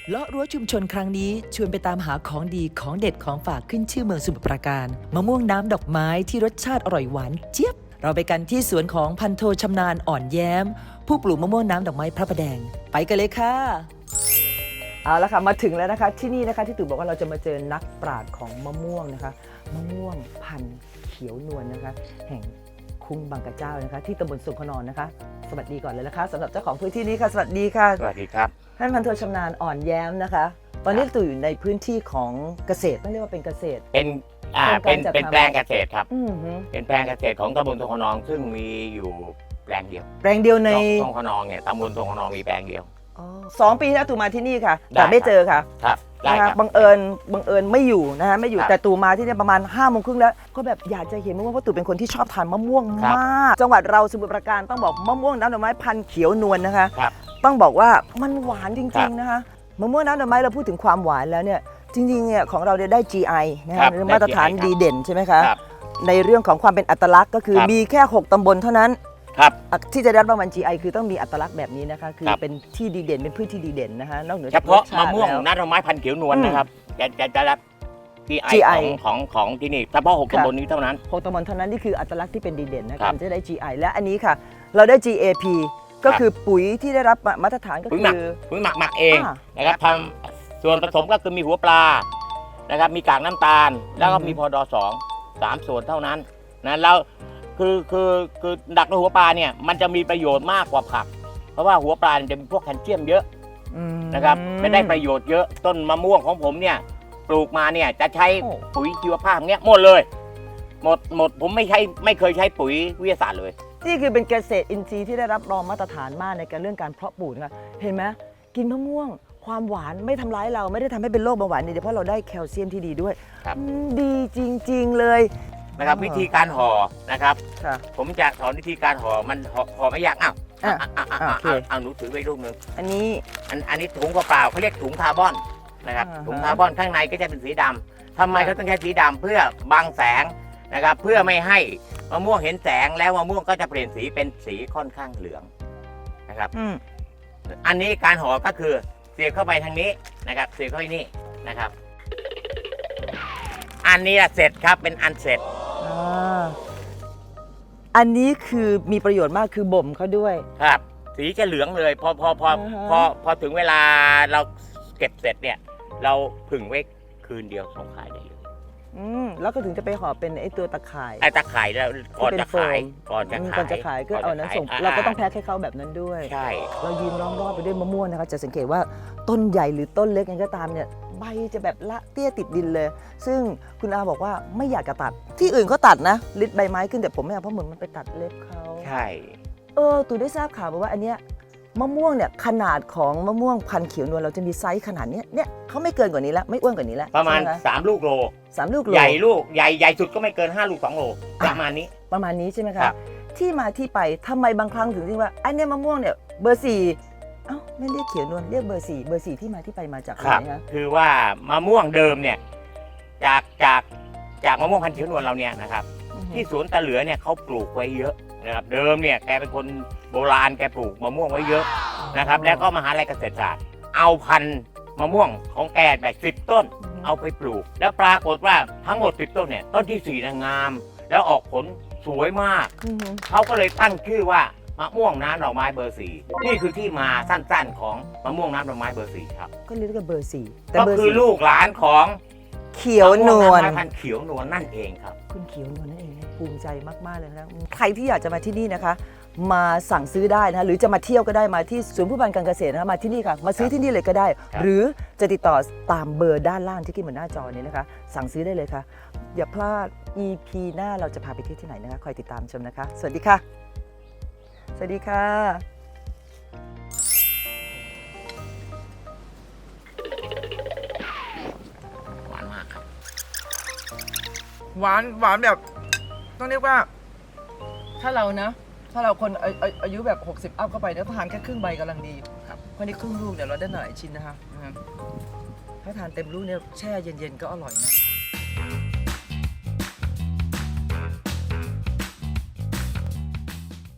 เลาะรั้วชุมชนครั้งนี้ชวนไปตามหาของดีของเด็ดของฝากขึ้นชื่อเมืองสมุทรปราการมะม่วงน้ำดอกไม้ที่รสชาติอร่อยหวานเจี๊ยบเราไปกันที่สวนของพันโทชำนาญอ่อนแย้มผู้ปลูกมะม่วงน้ำดอกไม้พระประแดงไปกันเลยค่ะเอาละค่ะมาถึงแล้วนะคะที่นี่นะคะที่ตู่บอกว่าเราจะมาเจอนักปราชญ์ของมะม่วงนะคะมะม่วงพันธุ์เขียวนวลนะคะแห่งคุ้งบางกระเจ้านะคะที่ตำบลสุขนอนนะคะสวัสดีก่อนเลยนะคะสำหรับเจ้าของพื้นที่นี้ค่ะสวัสดีค่ะสวัสดีครับท่านพันโทชำนาญอ่อนแย้มนะคะตอนนี้ตู่อยู่ในพื้นที่ของเกษตรต้องเรียกว่าเป็นเกษตรเป็นแปลงเกษตรครับอือฮึเป็นแปลงเกษตรของตำบลทงขนองซึ่งมีอยู่แปลงเดียวแปลงเดียวในทงขนองเนี่ยตำบลทงขนองมีแปลงเดียว 2 ปีที่แล้วตู่มาที่นี่ค่ะแต่ไม่เจอค่ะครับได้นะคะครับบังเอิญไม่อยู่นะคะไม่อยู่แต่ตู่มาที่นี่ประมาณ5 โมงครึ่งแล้วก็แบบอยากจะเห็นมะม่วงเพราะตู่เป็นคนที่ชอบทานมะม่วงมากจังหวัดเราสมุทรปราการต้องบอกมะม่วงน้ำดอกไม้พันธุ์เขียวนวลนะคะต้องบอกว่ามันหวานจริงๆนะคะมะม่วงน้ำดอกไม้เราพูดถึงความหวานแล้วเนี่ยจริงๆเนี่ยของเราได้ GI นะคะมาตรฐานดีเด่นใช่ไหมคะในเรื่องของความเป็นอัตลักษณ์ก็คือมีแค่6 ตำบลเท่านั้นที่จะได้รางวัล GI คือต้องมีอัตลักษณ์แบบนี้นะคะคือเป็นที่ดีเด่นเป็นพืชที่ดีเด่นนะคะนอกเหนือเฉพาะมะม่วงน้ำดอกไม้พันธุ์เขียวนวลนะครับจะรับ GI ของที่นี่เฉพาะ6 ตำบลนี้เท่านั้น 6 ตำบลเท่านั้นนี่คืออัตลักษณ์ที่เป็นดีเด่นนะคะจะได้ GI และอันนี้ค่ะเราได้ GAP ก็คือปุ๋ยที่ได้รับมาตรฐานก็คือปุ๋ยหมักเองนะครับทำส่วนผสมก็คือมีหัวปลานะครับมีกากน้ำตาลแล้วก็มีพอดอ3 ส่วนเท่านั้นนะแล้วคือดักในหัวปลาเนี่ยมันจะมีประโยชน์มากกว่าผักเพราะว่าหัวปลาจะมีพวกแคลเซียมเยอะนะครับไม่ได้ประโยชน์เยอะต้นมะม่วงของผมเนี่ยปลูกมาเนี่ยจะใช้ปุ๋ยชีวภาพเนี้ยหมดเลยหมดผมไม่เคยใช้ปุ๋ยวิทยาศาสตร์เลยนี่คือเป็นเกษตรอินทรีย์ที่ได้รับรองมาตรฐานมากในการเรื่องการเพาะปลูกนะคะเห็นไหมกินมะม่วงความหวานไม่ทำร้ายเราไม่ได้ทำให้เป็นโรคเบาหวานนี่เพราะเราได้แคลเซียมที่ดีด้วยดีจริงๆเลยนะครับวิธีการห่อนะครับผมจะสอนวิธีการห่อมันห่อไม่ยากเอาหนูถือไว้รูปนึงอันนี้ถุงเปล่าเขาเรียกถุงคาร์บอนนะครับถุงคาร์บอนข้างในก็จะเป็นสีดำทำไมเขาต้องใช้สีดำเพื่อบังแสงนะครับเพื่อไม่ให้มะม่วงเห็นแสงแล้วมะม่วงก็จะเปลี่ยนสีเป็นสีค่อนข้างเหลืองนะครับอันนี้การห่อก็คือเสียบเข้าไปทางนี้นะครับเสียบเข้าไปนี่นะครับอันนี้เสร็จครับเป็นอันเสร็จอันนี้คือมีประโยชน์มากคือบ่มเขาด้วยครับสีจะเหลืองเลยพอถึงเวลาเราเก็บเสร็จเนี่ยเราผึ่งไว้คืนเดียวส่งขายได้เลยแล้วก็ถึงจะไปห่อเป็นไอ้ตัวตะข่ายตะข่ายแล้วก่อนจะขายก็เอานั้นส่งเราก็ต้องแพ็คให้เขาแบบนั้นด้วยใช่เรายืนล้อมรอบไปด้วยมะม่วงนะคะจะสังเกตว่าต้นใหญ่หรือต้นเล็กยังก็ตามเนี่ยใบจะแบบละเตี้ยติดดินเลยซึ่งคุณอาบอกว่าไม่อยากจะตัดที่อื่นเขาตัดนะลิดใบไม้ขึ้นแต่ผมไม่เอาเพราะเหมือนมันไปตัดเล็บเขาใช่ตู่ได้ทราบข่าวมาว่าอันเนี้ยมะม่วงเนี่ยขนาดของมะม่วงพันธุ์เขียวนวลเราจะมีไซส์ขนาดนี้เนี่ยเขาไม่เกินกว่านี้แล้วไม่อ้วนกว่านี้แล้วประมาณ3 ลูกโล 3 ลูกโลใหญ่สุดก็ไม่เกิน5 ลูก 2 โลประมาณนี้ใช่ไหมคะที่มาที่ไปทำไมบางครั้งถึงที่ว่าไอ้เนี่ยมะม่วงเนี่ยเบอร์4ไม่เรียกเขียวนวลเรียกเบอร์4ที่มาที่ไปมาจากอะไรนะคือว่ามะม่วงเดิมเนี่ยจากมะม่วงพันธุ์เขียวนวลเราเนี่ยนะครับที่สวนตะเหลือเนี่ยเขาปลูกไว้เยอะนะครับเดิมเนี่ยแกเป็นคนโบราณแกปลูกมะม่วงไว้เยอะนะครับแล้วก็มหาลัยเกษตรศาสตร์เอาพันธุ์มะม่วงของแกแบบ10 ต้นเอาไปปลูกแล้วปรากฏว่าทั้งหมด10 ต้นเนี่ยต้นที่4งามแล้วออกผลสวยมากเขาก็เลยตั้งชื่อว่ามะม่วงน้ำดอกไม้เบอร์4นี่คือที่มาสั้นๆของมะม่วงน้ำดอกไม้เบอร์4ครับก็เรียกว่าเบอร์4 ก็คือลูกหลานของเขียวนวลพันธุ์เขียวนวลนั่นเองครับคุณเขียวนวลนั่นเองภูมิใจมากๆเลยนะใครที่อยากจะมาที่นี่นะคะมาสั่งซื้อได้นะหรือจะมาเที่ยวก็ได้มาที่ศูนย์ผู้พันการเกษตรนะคะมาที่นี่ค่ะมาซื้อที่นี่เลยก็ได้หรือจะติดต่อตามเบอร์ด้านล่างที่ขึ้นบนหน้าจอนี้นะคะสั่งซื้อได้เลยค่ะอย่าพลาด EP หน้าเราจะพาไปที่ไหนนะคะคอยติดตามชมนะคะสวัสดีค่ะสวัสดีค่ะหวานมากครับหวานแบบต้องเรียกว่าถ้าเราคนอายุแบบ60อัพเข้าไปเนี่ยทานแค่ครึ่งใบกำลังดีครับเพราะนี่ครึ่งลูกเนี่ยเราได้หลายชิ้นนะคะถ้าทานเต็มลูกเนี่ยแช่เย็นๆก็อร่อยนะ